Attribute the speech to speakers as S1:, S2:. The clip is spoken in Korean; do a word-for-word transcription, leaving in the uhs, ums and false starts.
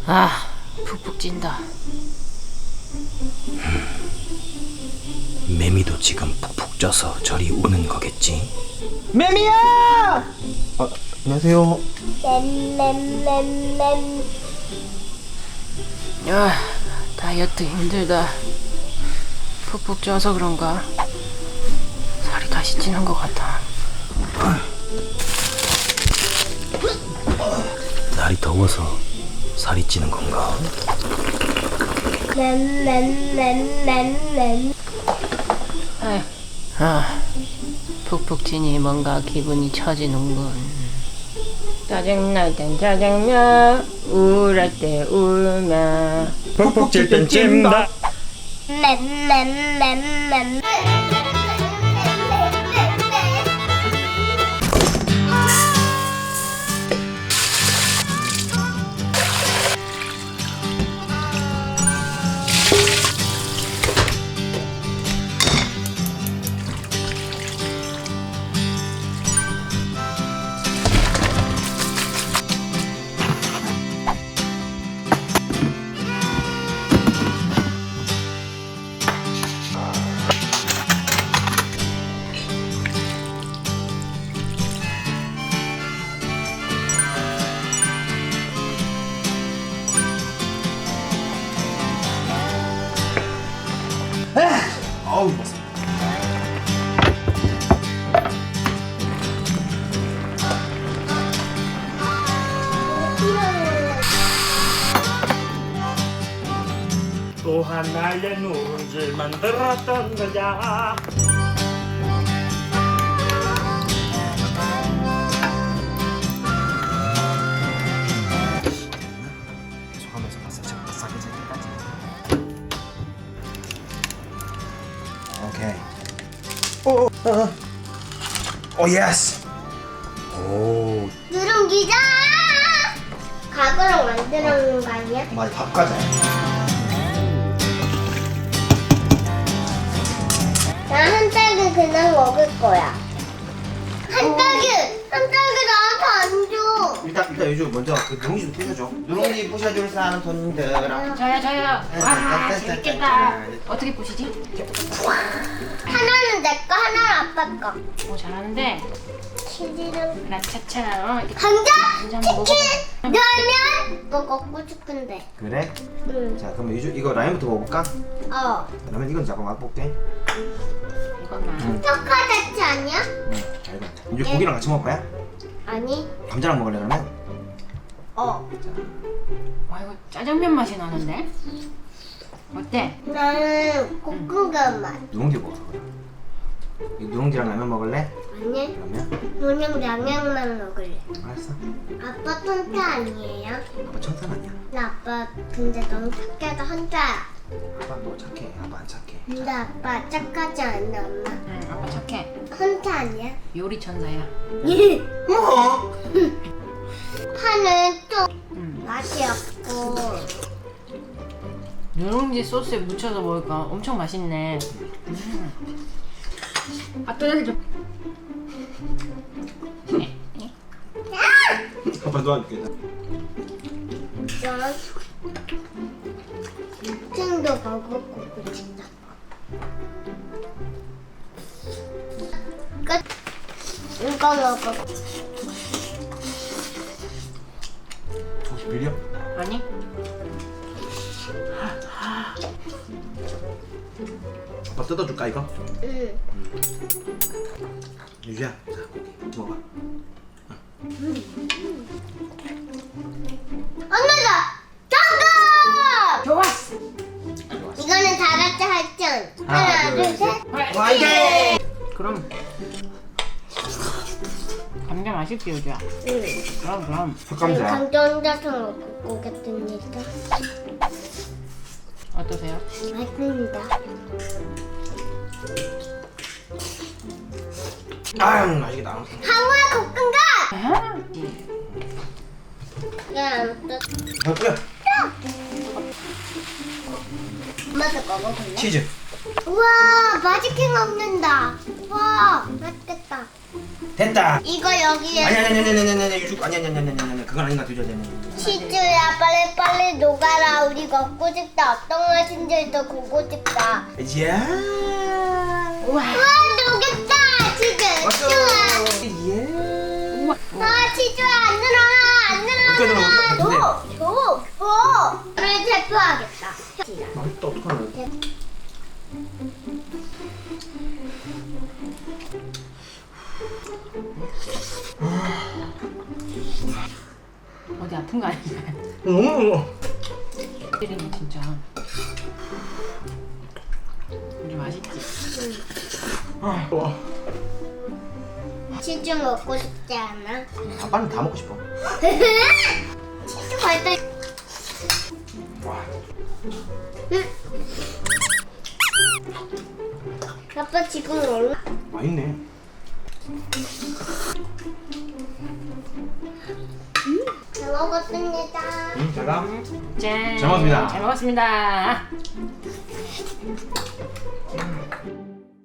S1: 아, 푹푹 찐다.
S2: 매미도 지금 푹푹 쪄서 저리 오는 거겠지?
S3: 매미야! 아, 안녕하세요.
S4: 램램램램.
S1: 야, 다이어트 힘들다. 푹푹 쪄서 그런가? 살이 다시 찌는 것 같아.
S2: 날이 더워서 살이 찌는 건가?
S4: 램램램램램.
S1: 아휴, 아, 푹푹 찌니 뭔가 기분이 처지는군. 짜증날 땐 짜장면, 우울할 때 울며.
S3: 푹푹 찔 땐 찜다.
S4: 램램램램.
S3: 아우, 맞어.
S5: 또 하나의 누룽지 만들었던 거야.
S3: 계속하면서 바싹바싹하게 질 때까지. 오케이. 오, 어, 오, 예스. 오,
S4: 누룽지다. 가구랑 만들어 놓은 거 아니야?
S3: 많이 밥 가자.
S4: 나 한 딸기 그냥 먹을 거야. 한 딸기, 한 딸기 나한테 안 줘.
S3: 일단 일단 요즘 먼저 그 누룽지 좀 부셔줘. 누룽지 부셔줄 사람 손들어.
S1: 저요, 저요. 와, 재밌겠다. 어떻게 보시지?
S4: 하나는 내 거, 하나는 아빠 거.
S1: 오, 잘하는데.
S4: 치즈랑
S1: 라차차. 어, 이렇게
S4: 감자,
S1: 한번
S4: 치킨,
S1: 먹어봐.
S4: 라면. 이거 먹고 싶은데.
S3: 그래?
S4: 응.
S3: 자, 그럼 요즘 이거 라면부터 먹어볼까?
S4: 어.
S3: 라면 이건 잠깐 맛볼게.
S1: 이것만.
S4: 초코자치 아니야?
S3: 응, 잘 익었다. 이제 고기랑 같이 먹을 거야?
S4: 아니.
S3: 감자랑 먹을래 그러면?
S4: 어.
S1: 와, 이거 짜장면 맛이 나는데? 어때?
S4: 나는 볶음밥 맛.
S3: 누룽지 먹어서 그래. 이 누룽지랑 라면 먹을래?
S4: 아니.
S3: 그러면?
S4: 그냥 양념만 먹을래.
S3: 알았어.
S4: 아빠 통짜 아니에요?
S3: 아빠 천산 아니야.
S4: 나 아빠 근데 너무 착해서 혼자야.
S3: 아빠 너 착해. 아빠 안 착해.
S4: 근데 아빠 착하지 않아 엄마.
S1: 응, 아빠 착해.
S4: 혼자 아니야?
S1: 요리 천사야.
S3: 뭐?
S4: 파는 좀
S1: 응.
S4: 맛이 없고.
S1: 누룽지 소스에 묻혀서 먹으니까 엄청 맛있네. 음. 아, 또 여기 좀.
S3: 아빠 도와줄게.
S4: 난 층도 먹고 싶다. 끝. 이거 먹어.
S3: 혹시 비려?
S1: 아니?
S3: 아빠 뜯어줄까 이거?
S4: 응.
S3: 유주야, 자 고기 먹어봐.
S4: 엄마가 정답!
S1: 좋았어.
S4: 이거는 다 같이 할전. 하나, 둘, 셋.
S3: 화이팅!
S1: 그럼 감자 맛있지, 요주야?
S4: 응.
S1: 그럼 그럼.
S3: 흑감자.
S4: 감자 혼자서 먹을 거겠습니다.
S1: 어떠세요?
S4: 맛있습니다.
S3: 아유 맛있겠다.
S4: 항우야 볶음가!
S1: 아,
S4: 야, 아무튼
S3: 아 뿌려.
S4: 엄마도 먹어볼래?
S3: 치즈.
S4: 우와, 마지킹 먹는다. 와, 맛있겠다.
S3: 됐다.
S4: 이거 여기에
S3: 아니 아니 아니 아니 아니 아니 유주 아니 아니 아니 아니 아니 그건 아닌 것 같아. 유주.
S4: 치즈야 빨리 빨리 녹아라. 우리 먹고 싶다. 어떤 맛인지 더 보고 싶다.
S3: 야.
S4: 우와 녹였다. 치즈.
S3: 왔어.
S4: 좋아.
S3: 예.
S4: 아 치즈야 안 늘어나 안
S3: 어떻게 늘어나?
S4: 늘어나. 줘, 줘, 줘. 를 대표하겠다.
S3: 맛있다. 어떡하나.
S1: 어디 아픈 거 아니야?
S3: 너무
S1: 때리네 진짜. 이게 맛있지?
S3: 와.
S4: 치즈 먹고 싶지 않아?
S3: 아빠는 다 먹고 싶어.
S4: 치즈 발달.
S3: 와.
S4: 아빠 지금 얼마?
S3: 맛있네.
S4: 잘 먹었습니다.
S3: 응, 잘 가.
S1: 짠.
S3: 잘 먹었습니다.
S1: 잘 먹었습니다.